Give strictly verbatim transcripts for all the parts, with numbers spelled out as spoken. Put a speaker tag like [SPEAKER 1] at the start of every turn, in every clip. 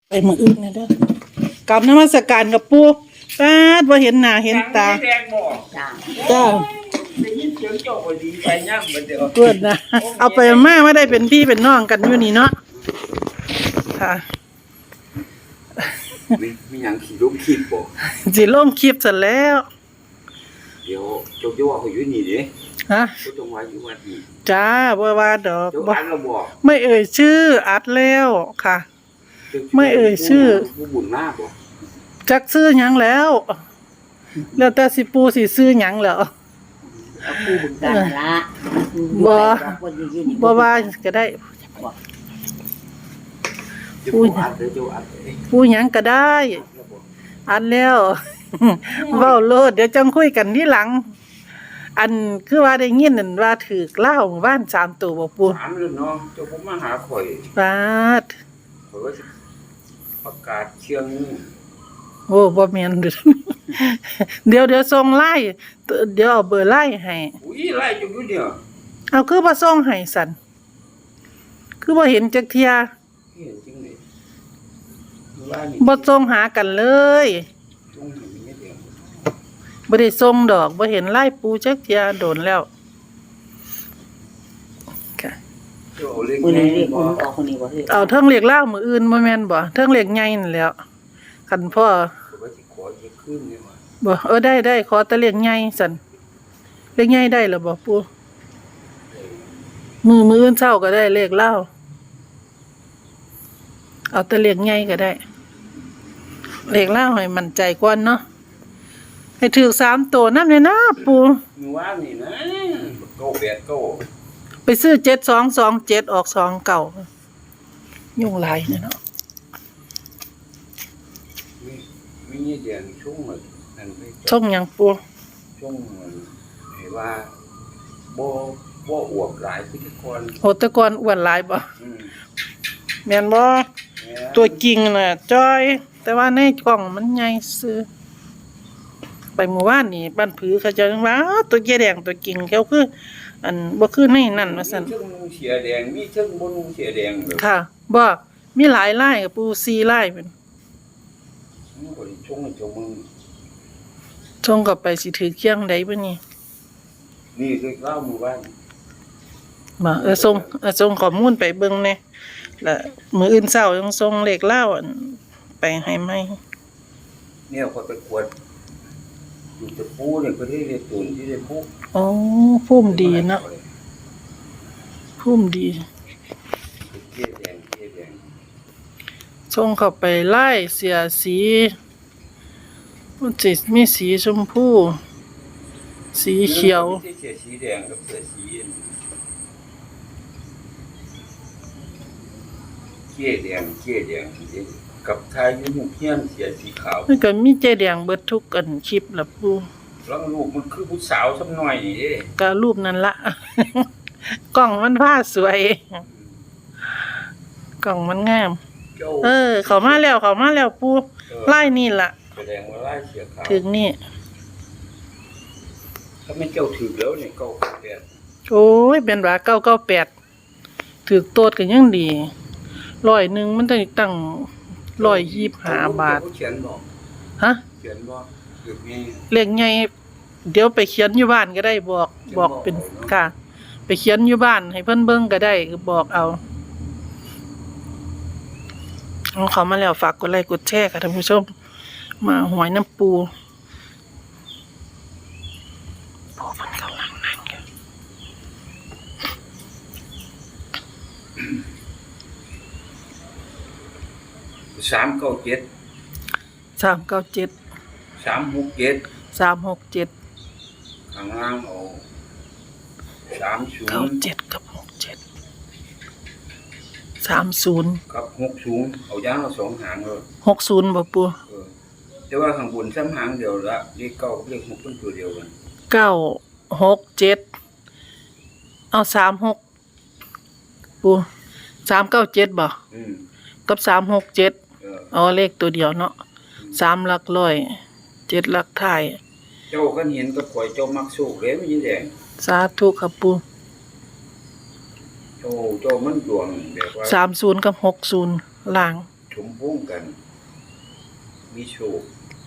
[SPEAKER 1] ไปมืออื่นนะเด้อกลับนมัสการกับปู่ตาดว่าเห็นหน้าเห็นตา
[SPEAKER 2] แดงบ่
[SPEAKER 3] จ้า
[SPEAKER 1] จ้า
[SPEAKER 2] ได้ยินเสียงเจ้าก็ดีใจย่ำบัดเดียว
[SPEAKER 1] เกิดนะเอาไปมาว่าได้เป็นพี่เป็นน้องกันอยู่นี่เนาะค่ะ
[SPEAKER 2] มีมีหยังขี่ล้มขีดบ่
[SPEAKER 1] สิลงคลิปเสร็จแล้ว
[SPEAKER 2] เดี๋ยวเจ้าจะว่าเขาอยู่นี่เด้
[SPEAKER 1] ฮะ
[SPEAKER 2] เจ้าต้องว่าอยู่วัดนี่
[SPEAKER 1] จ้าบ่ว่าดอก
[SPEAKER 2] เจ้า
[SPEAKER 1] บ่
[SPEAKER 2] อันละบ่
[SPEAKER 1] ไม่เอ่ยชื่ออัดแล้วค่ะ ไม่เอ่ยชื่อ
[SPEAKER 2] ผู้บุญมากบ่
[SPEAKER 1] จักซื้อหยังแล้ว แล้วแต่สิปูสิซื้อหยังแล้ว
[SPEAKER 3] เอาคู่บึงกันนั่นละ
[SPEAKER 1] บ่
[SPEAKER 3] คนยืนอยู่
[SPEAKER 1] บ่ว่าก็ได้
[SPEAKER 2] เจ้าผู้อัดเด้อเจ้าอัดเด้อ
[SPEAKER 1] ปูหยังก็ได้
[SPEAKER 2] แล้วบ่
[SPEAKER 1] อันแล้ว เว้าโลดเดี๋ยวจังคุยกันที่หลัง อันคือว่าได้ยินนั่นว่าถูกเล่าหมู่บ้านสามตัวบ่ปู
[SPEAKER 2] ถามเลยเนาะเจ้าผมมาหาข่อย
[SPEAKER 1] ปาด
[SPEAKER 2] ข่อยว่าสิประกาศเชียงนี่
[SPEAKER 1] โอ้บ่แม่น เด้อ เดี๋ยวเดี๋ยวส่งไลน์เดี๋ยวเอาเบอร์ไลน์ให้
[SPEAKER 2] อุ้ยไล่เจ้าอยู่เนี่ย
[SPEAKER 1] เอาคือบ่ส่งให้สั่นคือบ่เห็นจักเที่ย
[SPEAKER 2] เห็นจริงเลยว่านี่
[SPEAKER 1] บ่ส่งหากันเลย
[SPEAKER 2] ตรงนี้มีเดียว
[SPEAKER 1] บ่ได้ส่งดอกบ่เห็นไลน์ปูจักเที่ยโดนแล้วค่ะ
[SPEAKER 2] เจ้าเอาเลข
[SPEAKER 3] คน
[SPEAKER 2] แม่
[SPEAKER 3] นี้เรียกค
[SPEAKER 2] บ่
[SPEAKER 3] นออกคนนี้บ่เฮ้ย
[SPEAKER 1] เอาเทิงเรียกเล่ามื้ออื่นบ่แม่นบ่เทิงเรียกใหญ่นั่นแหล้วคันพ่อ
[SPEAKER 2] ข่อยว่าสิขอเยอะขึ้นนี่ว่า
[SPEAKER 1] บ่เออได้ได้ขอแต่เรียกใหญ่สั่นเรียกใหญ่ได้แล้วบ่ปูมือมื้ออื่นเช้าก็ได้เลขเล่าเอาแต่เรียกใหญ่ก็ได้เลขเล่าให้มั่นใจก่อนเนาะให้ถูกสามตัวนำเลยนะปู
[SPEAKER 2] มีว่านี่นะเก้าแปดเก้า
[SPEAKER 1] ไปซื้อเจ็ดสองสองเจ็ดออกสองเก่ายุ่งหลายเนี่ยเนาะ
[SPEAKER 2] มีมีเงี้ยเดียนช่วงเหมือนนั่นไป
[SPEAKER 1] ช่องหยังปู
[SPEAKER 2] ช่วงเหมือนเห็นว่าบ่บ่อวบหลายพิธีกร
[SPEAKER 1] โหแตะกอนอ้วนหลายบ่
[SPEAKER 2] อืม
[SPEAKER 1] แม่นบ่
[SPEAKER 2] แม่
[SPEAKER 1] ตัวจริงน่ะจ้อย แต่ว่าในกล่องมันใหญ่ซื้อไปหมู่บ้านนี่บ้านผือเขาเจะว่าอ้าวตัวแก่แดงตัวจริงเขาคือ อันบ่คือในนั่นว่าซั่น
[SPEAKER 2] มีเชิงนุ่งเสียแดงมีเชิงบ่นุ่งเสียแดงแบบ
[SPEAKER 1] ค่ะบ่มีหลายลายกับปูสี่ลายเป็น
[SPEAKER 2] มันก็สิช่วงให้เจ้ามึง
[SPEAKER 1] ส่งกลับไปสิถือเคียงใดบ่นี่
[SPEAKER 2] นี่คือเล่าหมู่บ้าน
[SPEAKER 1] บ่เออส่งเออส่งข้อมูลไปเบิ่งแหน่แล้วมื้ออื่นเช้ายังส่งเลขลาวอันไปให้ใหม่
[SPEAKER 2] เนี่ยคนไปกวดอยู่ตะปูเนี่ยก็ได้เรียกตุนที่ได้ปู
[SPEAKER 1] อ๋อภูมิดีเนาะภูมิดี
[SPEAKER 2] เกี้ยแดงเกี้ยแดง
[SPEAKER 1] ส่งเข้าไปไล่เสียสีมันสิมีสีชมพู สีเขียว
[SPEAKER 2] ที่เสียสีแดงกับเสียสีเกี้ยแดงเกี้ยแดงกับทายยุ่งเฮียนเสียสีขาว
[SPEAKER 1] มันก็มีใจแดงเบิดทุกอันคลิปล่ะปู
[SPEAKER 2] แล้วลูกมันคือผู้สาวสักหน่อยนี่เด้
[SPEAKER 1] ก็รูปนั้นละ กล่องมันผ้าสวย กล่องมันงาม
[SPEAKER 2] เจ้า
[SPEAKER 1] เออ เขามาแล้วเขามาแล้วปูไล่นี่ล่ะ
[SPEAKER 2] แสดงว่าไล่เสียขาว
[SPEAKER 1] ถึงนี่
[SPEAKER 2] ถ้าไม่เจ้าถือแล้วเนี่ยเก้าแปด
[SPEAKER 1] โอ้ยเป็นว่าเก้าเก้าแปดถือโตดกันยังดีร้อยหนึ่งมันต้องตั้งร้อยยี่สิบห้าบาท
[SPEAKER 2] เขียนบอก
[SPEAKER 1] ฮะ
[SPEAKER 2] เขียนบอกถือมี
[SPEAKER 1] เลขใหญ่เดี๋ยวไปเขียนอยู่บ้านก็ได้บอก บอกเป็นค่ะ ไปเขียนอยู่บ้านให้เพิ่นเบิ่งก็ได้ก็บอกเอาเอาเขามาแล้วฝากกดไลค์กดแชร์ค่ะท่านผู้ชม มาหวยน้ำปูพอเพิ่นกำลังนั่งอยู่
[SPEAKER 2] สามเก้าเจ็ด
[SPEAKER 1] สามเก้าเจ็ด
[SPEAKER 2] สามหกเจ็ด
[SPEAKER 1] สามหกเจ็ด
[SPEAKER 2] ข้างล่างเอาสามศู
[SPEAKER 1] เก้าน
[SPEAKER 2] ย์
[SPEAKER 1] เจ็ดกับหกเจ็ดสามศูนย์
[SPEAKER 2] กับหกศูนย์เอาย่างเอาสองหางเลย
[SPEAKER 1] หกศูนย์บ่ปู
[SPEAKER 2] เออแต่ว่าข้างบนซ้ำหางเดียวละเลขเก้าเลขหกเป็นตัวเดียวกัน
[SPEAKER 1] เก้าหกเจ็ดเอาสามหกปูสามเก้าเจ็ดบ่
[SPEAKER 2] อืม
[SPEAKER 1] กับสามหกเจ็ด
[SPEAKER 2] เออ
[SPEAKER 1] เอาเลขตัวเดียวเนาะสามหลักร้อยเจ็ดหลักท้าย
[SPEAKER 2] เจ้าก็เห็นกับข่อยเจ้ามักสู้เลยไม่ยิ่งแดง
[SPEAKER 1] สาธุครับปู
[SPEAKER 2] เจ้าเจ้ามันดวงแบบว่า
[SPEAKER 1] สามศูนย์กับหกศูนย์ล่าง
[SPEAKER 2] โชมพงษ์กัน มีโชค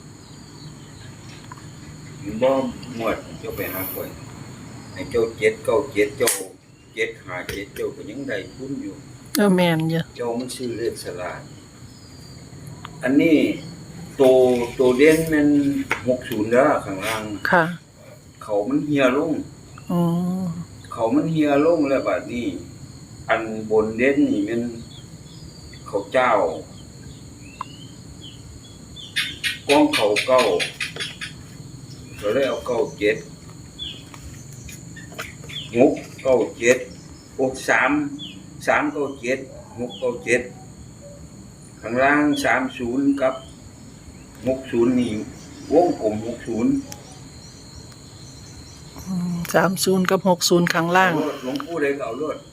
[SPEAKER 2] มีบ่หมวดเจ้าไปหาข่อยให้เจ้าเจ็ดเก้าเจ็ดเจ้าเจ็ดหาเจ็ดเจ้าก็ยังได้ทุนอยู่
[SPEAKER 1] เออแม่นอยู่
[SPEAKER 2] เจ้ามันชื่อเลขสลากอันนี้โตโตเด่นมันหกสิบแล้วข้างล่าง
[SPEAKER 1] ค่ะ
[SPEAKER 2] เขามันเหี่ยลง
[SPEAKER 1] อืม
[SPEAKER 2] เขามันเหี่ยลงแล้วบัดนี้ อันบนเด่นนี่มันเขาเจ้ากองเขาเก้าก็เลยเอาเก้าเจ็ดหกเก้าเจ็ดหกสามสามเก้าเจ็ดหกเก้าเจ็ดข้างล่างสามศูนย์กับหกศูนย์นี่วงกลมหกศูนย์
[SPEAKER 1] อืมสามสิบกับหกสิบข้างล่าง
[SPEAKER 2] หลวงปู่ได้ก็เอารถ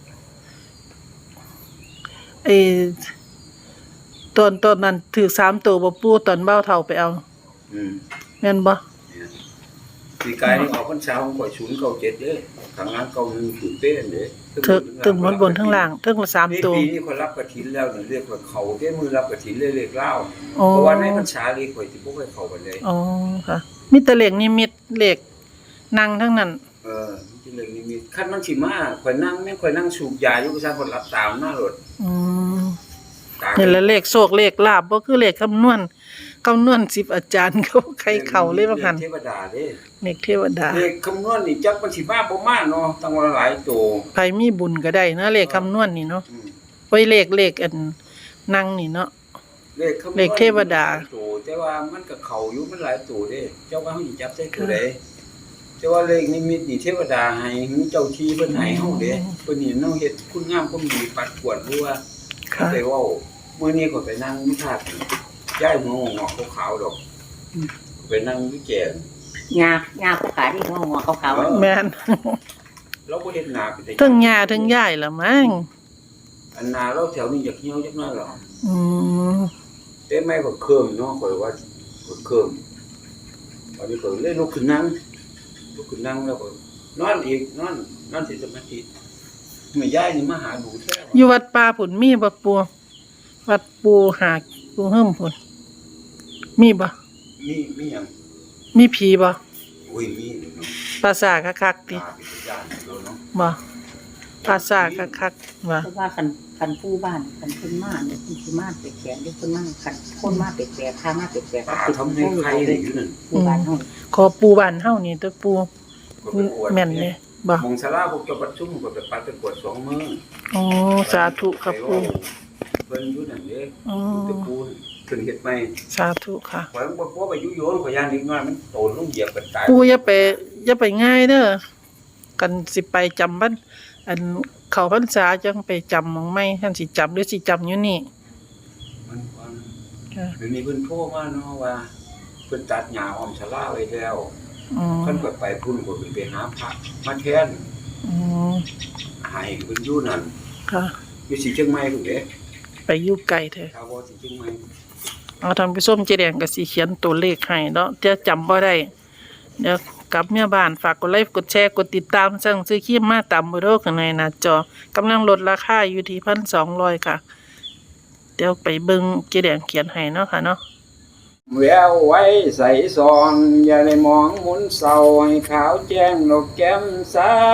[SPEAKER 1] ไอ้ตอนตอนนั้นถือสามตัวบ่ปู่ตอนเบ้าเฒ่าไปเอา
[SPEAKER 2] อืม
[SPEAKER 1] แม่นบ่
[SPEAKER 2] ปีกายนี่ออกพรรษาของข่อยศูนย์เก้าเจ็ดเด้ข้างล่างเก้าหนึ่งศูนย์เป๊ะเด้
[SPEAKER 1] ถึงถึงหมดบนทั้งล่างถึงละสาม
[SPEAKER 2] นี่
[SPEAKER 1] ตัว
[SPEAKER 2] ปีนี้ข่อยรับกฐินแล้วนี่เรียกว่าเขาเด้มือรับกฐินเลยเรียกเล่า
[SPEAKER 1] อ๋อ
[SPEAKER 2] เพราะว่าในพรรษานี่ข่อยสิบ่ค่อยเข้าไปเลย
[SPEAKER 1] อ๋อค่ะมีแต่เลขนิมิตเลขนั่งทั้งนั้น
[SPEAKER 2] เออมันสิเรื่องนี้มีคันมันสิมาข่อยนั่งแม่งข่อยนั่งสูบยาอยู่ประชาชนรับตามหน้ารถ
[SPEAKER 1] อืม
[SPEAKER 2] ตา
[SPEAKER 1] นี่แหละเลขโชคเลขลาภบ่คือเลขคำนวณคำนวณสิบอาจารย์เขาใครเข้าเลยว่าคั่น
[SPEAKER 2] เทวดาเด้
[SPEAKER 1] เลขเทวดา
[SPEAKER 2] เลขคำนวณนี่จักมันสิมาบ่มาเนาะตั้งว่าหลายโต
[SPEAKER 1] ใครมีบุญก็ได้นะเลขคำนวณนี่เนาะ
[SPEAKER 2] อืม
[SPEAKER 1] ไว้เลขเลขอันนั่งนี่เนาะ
[SPEAKER 2] เลขคำนวณ
[SPEAKER 1] เลขเทวดา
[SPEAKER 2] หลยตัวแต่ว่ามันก็เข้าอยู่มันหลายตัวเด้เจ้าว่าเฮาสิจับใส่ตัวใดแต่ว่าเลขนิมิตนี่เทวดาให้มีเจ้าที่เพิ่นให้เฮาเด้เพิ่นนี่เนาะเฮ็ดคุณงามความดีปัดกวดรู้ว่า
[SPEAKER 1] ค่ะ
[SPEAKER 2] ไปเว้ามื้อนี้ก็ไปนั่งวิพากษ์ย้ายหัวงอกขาวๆดอกไปนั่งวิแจง
[SPEAKER 3] งา งาผู้ขาที่หัวหัวขาว
[SPEAKER 1] แม่น
[SPEAKER 2] เราบ่เฮ็ดนาเป็น
[SPEAKER 1] ทั้งย่าทั้งยายละมั้ง
[SPEAKER 2] อันนาเราแถวนี้อยากเหี่ยวจักหน่อยหรอ
[SPEAKER 1] อืม
[SPEAKER 2] แต่ไม่ก็เคิ่มเนาะข่อยว่าก็เคิ่มตอนนี้ก็เลยลุกขึ้นนั่งลุกขึ้นนั่งแล้วก็นอนอีกนอนนอนสิสมาธิแม่ยายนี่มาหาดูแท้
[SPEAKER 1] อยู่วัดป่าพุ่นมีบ่ปู่วัดปู่หากปู่เฮิ่มพุ่นมีบ่
[SPEAKER 2] มีมีหยัง
[SPEAKER 1] มีผีบ่
[SPEAKER 2] โอ้ยมีเนาะ
[SPEAKER 1] ปราสาทคักๆติ
[SPEAKER 2] ตาเป็นญาติเราเนาะ
[SPEAKER 1] บ่ปราสาทคักๆว่า
[SPEAKER 3] ๆเพราะว่าคันคันผู้บ้านคันเพิ่นมาเนี่ยเพิ่นสิมาเป็ดแขนเด้เพิ่นมาคันคนมาเป็ดแขนข้ามาเป็ดแขน
[SPEAKER 2] ตาทำให้ใครได้อยู่นั่น
[SPEAKER 3] ผู้บ้านเฮา
[SPEAKER 1] ขอปู่บ้านเฮานี่ตัวปู่
[SPEAKER 2] ก็ไปอวด
[SPEAKER 1] แม่นเด้บ่
[SPEAKER 2] มองศาลาพวกเจ้าประชุมก็ไปปัดไปกวดสองมื้อ
[SPEAKER 1] อ๋อสาธุครับปู่
[SPEAKER 2] เพิ่นอยู่นั่นเด้
[SPEAKER 1] อ๋อ
[SPEAKER 2] ตะปูขึ้นเฮ็ดใหม่
[SPEAKER 1] สาธุค่ะ
[SPEAKER 2] ข่อยบ่บ่ไปยุโยนข่อยย่านนิดหน่อยมันโตลงเหยียบกันตาย
[SPEAKER 1] ปู่อย่าไปอย่าไปง่ายเด้อกันสิไปจำบ้านอันเข้าพรรษาจังไปจำหม่องใหม่ท่านสิจำหรือสิจำอยู่นี่
[SPEAKER 2] มันฟัง
[SPEAKER 1] ค่ะ
[SPEAKER 2] เดี๋ยวนี้เพิ่นโทรมาเนาะว่าเพิ่นตัดหญ้าอ้อมศาลาไว้แล้ว
[SPEAKER 1] อืม
[SPEAKER 2] เพิ่นก็ไปพุ่นก็เพิ่นไปหาพระมาแทน
[SPEAKER 1] อืม
[SPEAKER 2] ให้เพิ่นอยู่นั่น
[SPEAKER 1] ค่ะ
[SPEAKER 2] อยู่สิเชียงใหม่พุ่นเด้
[SPEAKER 1] ไปอยู่ไกลเถอะ
[SPEAKER 2] ถ้าบ่สิเชียงใหม่
[SPEAKER 1] เอาท่านผู้ชมเจแดงก็สิเขียนตัวเลขให้เนาะจะจำบ่ได้เดี๋ยวกลับเมียบ้านฝากกดไลค์กดแชร์กดติดตามสั่งซื้อครีมมาตามเบอร์โทรข้างในหน้าจอกำลังลดราคาอยู่ที่หนึ่งพันสองร้อยค่ะ เดี๋ยวไปเบิ่งเจแดงเขียนให้เนาะค่ะเนาะ
[SPEAKER 2] แววไว้ใส่ซองอย่าได้มองหมุนเศร้าให้ขาวแจ้งดอกแก้มใส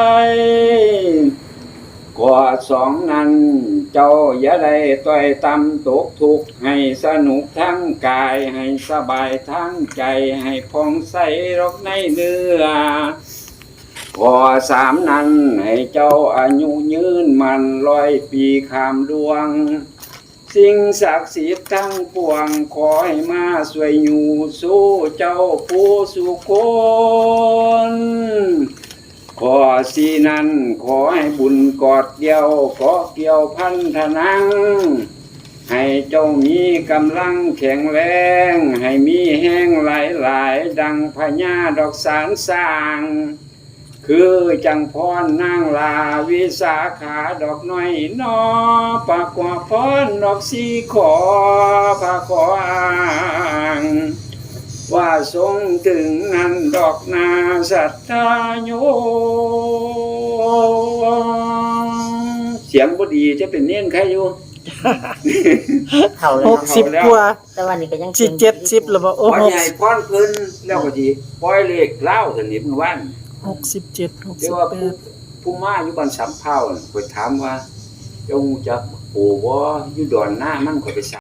[SPEAKER 2] กว่าสองนั้นเจ้าอย่าได้ต่อยตำตกทุกข์ให้สนุกทั้งกายให้สบายทั้งใจให้ผ่องใสรอกในเนื้อกว่าสามนั้นให้เจ้าอายุยืนมันร้อยปีขามดวงสิ่งศักดิ์สิทธิ์ทั้งปวงขอให้มาช่วยอยู่สู้เจ้าผู้สุคนขอสีนั้นขอให้บุญกอดเดียวขอเกี่ยวพันธนังให้เจ้ามีกำลังแข็งแรงให้มีแห้งหลายหลายดังพญาดอกสารสร้างคือจังพรนางลาวิสาขาดอกน้อยนอปากกว่าพรดอกสีขอพาขออ้างว่าทรงถึงนั้นดอกนาสัทธาโยเสียงบ่ดีจะเป็นเน้นใครอยู่
[SPEAKER 3] เท่าแล้ว
[SPEAKER 1] หก
[SPEAKER 3] เนาะ
[SPEAKER 1] สิบกว่า
[SPEAKER 3] แต่วันนี้ก็ยัง
[SPEAKER 1] สิเจ็ดสิบแล้วบ่โอ้
[SPEAKER 2] พ่อ
[SPEAKER 1] หก
[SPEAKER 2] ใหญ่พ่อนเพิ่นแล้วก็สิปล่อยเลขเล่าสนิทเมื่อวาน
[SPEAKER 1] หกสิบเจ็ดหก
[SPEAKER 2] เดี๋
[SPEAKER 1] สิ
[SPEAKER 2] ยว
[SPEAKER 1] บ
[SPEAKER 2] ว่า
[SPEAKER 1] แป
[SPEAKER 2] ผู้
[SPEAKER 1] ด
[SPEAKER 2] ผู้มาอยู่บ้านสำเภาน่ะข้อยถามว่าเจ้าฮู้จักโอ้บ่อยู่ดอนหน้ามันข้อยไป